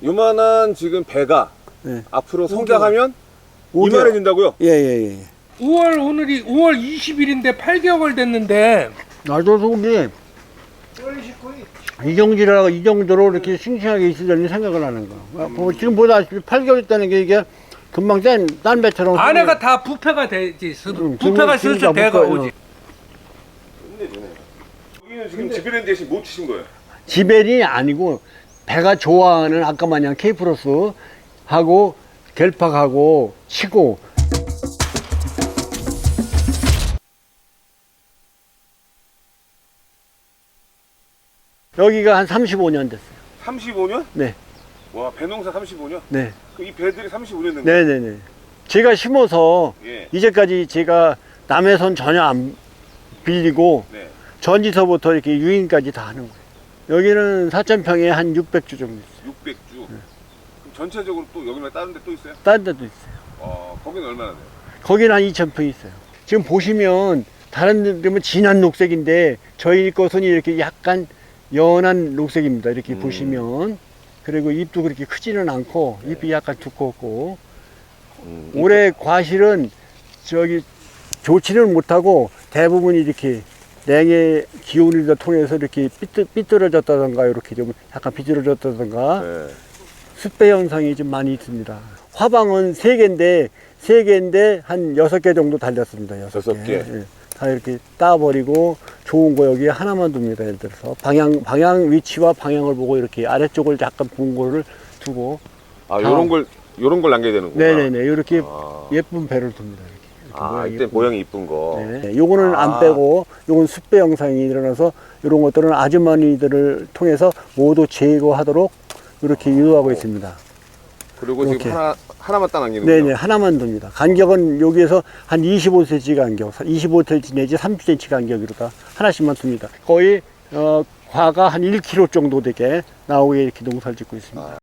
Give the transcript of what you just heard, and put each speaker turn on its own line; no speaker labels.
요만한 지금 배가
네.
앞으로 성장하면 이만해진다고요?
예예예.
5월 오늘이 5월 20일인데 8개월 됐는데
나도 속이 이 정도로 이렇게 싱싱하게 있으려니 생각을 하는 거. 지금 보다시피 8개월 있다는 게 이게 금방 딴 배처럼.
안에가 다 부패가 되지. 부패가 슬슬 배가 오지.
여기는 지금 지베렌 대신 못 치신 거예요?
지벨이 아니고 배가 좋아하는 아까 마냥 케이프로스 하고 겔팍하고 치고. 여기가 한 35년 됐어요.
35년?
네.
와, 배농사 35년?
네.
그 이 배들이 35년 된 거예요?
네네네. 제가 심어서
예.
이제까지 제가 남의 손 전혀 안 빌리고
네.
전지서부터 이렇게 유인까지 다 하는 거예요. 여기는 4,000평에 한 600주 정도 있어요.
600주. 그럼 전체적으로 또 여기 말고 다른 데 또 있어요?
다른 데도 있어요.
거기는 얼마나 돼요?
거기는 한 2,000평 있어요. 지금 보시면 다른 데면 진한 녹색인데 저희 것은 이렇게 약간 연한 녹색입니다. 이렇게 보시면. 그리고 잎도 그렇게 크지는 않고 잎이 약간 두껍고 올해 과실은 저기 좋지는 못하고 대부분 이렇게 냉의 기온을 통해서 이렇게 삐뚤어졌다던가 이렇게 좀 약간 비뚤어졌다던가
네.
습배 현상이 좀 많이 있습니다. 화방은 3개인데 한 6개 정도 달렸습니다.
6개?
예. 다 이렇게 따버리고 좋은 거 여기 하나만 둡니다. 예를 들어서 방향 위치와 방향을 보고 이렇게 아래쪽을 약간 본 거를 두고.
요런 걸 남겨야 되는구나.
네네네. 이렇게 예쁜 배를 둡니다. 이렇게.
이때 모양이 이쁜 거.
네. 요거는 안 빼고 요건 습배 영상이 일어나서 이런 것들은 아주머니들을 통해서 모두 제거하도록 이렇게 유도하고 있습니다.
그리고
이렇게.
지금 하나만 딱 남기는
네네,
거죠?
하나만 둡니다. 간격은 여기에서 한 25cm 간격, 25cm 내지 30cm 간격으로다 하나씩만 둡니다. 거의 과가 한 1kg 정도 되게 나오게 이렇게 농사를 짓고 있습니다.